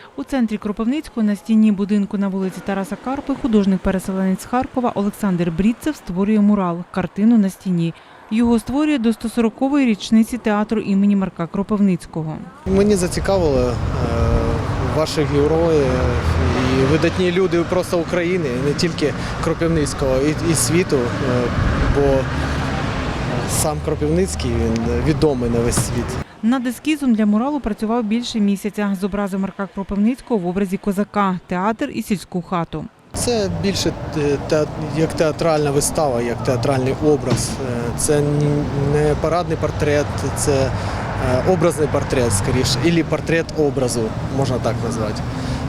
У центрі Кропивницького на стіні будинку на вулиці Тараса Карпи художник-переселенець з Харкова Олександр Брідцев створює мурал – картину на стіні. Його створює до 140-ї річниці театру імені Марка Кропивницького. Мені зацікавили ваші герої і видатні люди просто України, не тільки Кропивницького, і світу, бо сам Кропивницький він відомий на весь світ. Над ескізом для муралу працював більше місяця. Зобразив Марка Кропивницького в образі козака, театр і сільську хату. Це більше як театральна вистава, як театральний образ. Це не парадний портрет, це образний портрет, скоріше, або портрет образу, можна так назвати.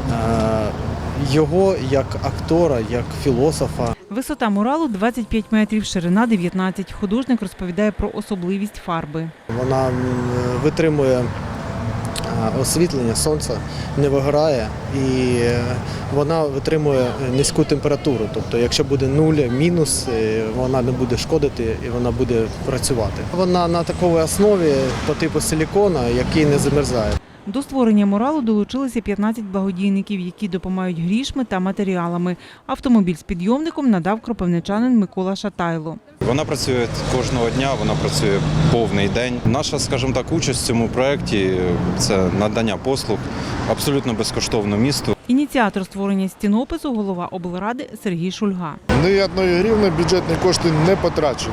Його як актора, як філософа. Висота муралу – 25 метрів, ширина – 19. Художник розповідає про особливість фарби. Вона витримує освітлення, сонце не вигорає і вона витримує низьку температуру. Тобто, якщо буде нуль, мінус, вона не буде шкодити і вона буде працювати. Вона на такій основі по типу силікона, який не замерзає. До створення муралу долучилися 15 благодійників, які допомагають грішми та матеріалами. Автомобіль з підйомником надав кропивничанин Микола Шатайло. Вона працює кожного дня, вона працює повний день. Наша, скажімо так, участь в цьому проєкті – це надання послуг абсолютно безкоштовно місту. Ініціатор створення стінопису – голова облради Сергій Шульга. Ні одної гривні бюджетні кошти не потрачено.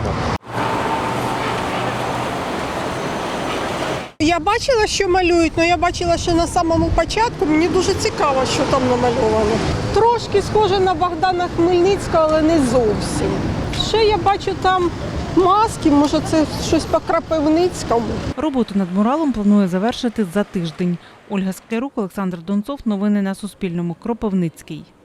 Я бачила, що малюють, але я бачила, що на самому початку мені дуже цікаво, що там намальовано. Трошки схоже на Богдана Хмельницького, але не зовсім. Ще я бачу там маски, може це щось по Кропивницькому. Роботу над муралом планує завершити за тиждень. Ольга Склярук, Олександр Донцов. Новини на Суспільному. Кропивницький.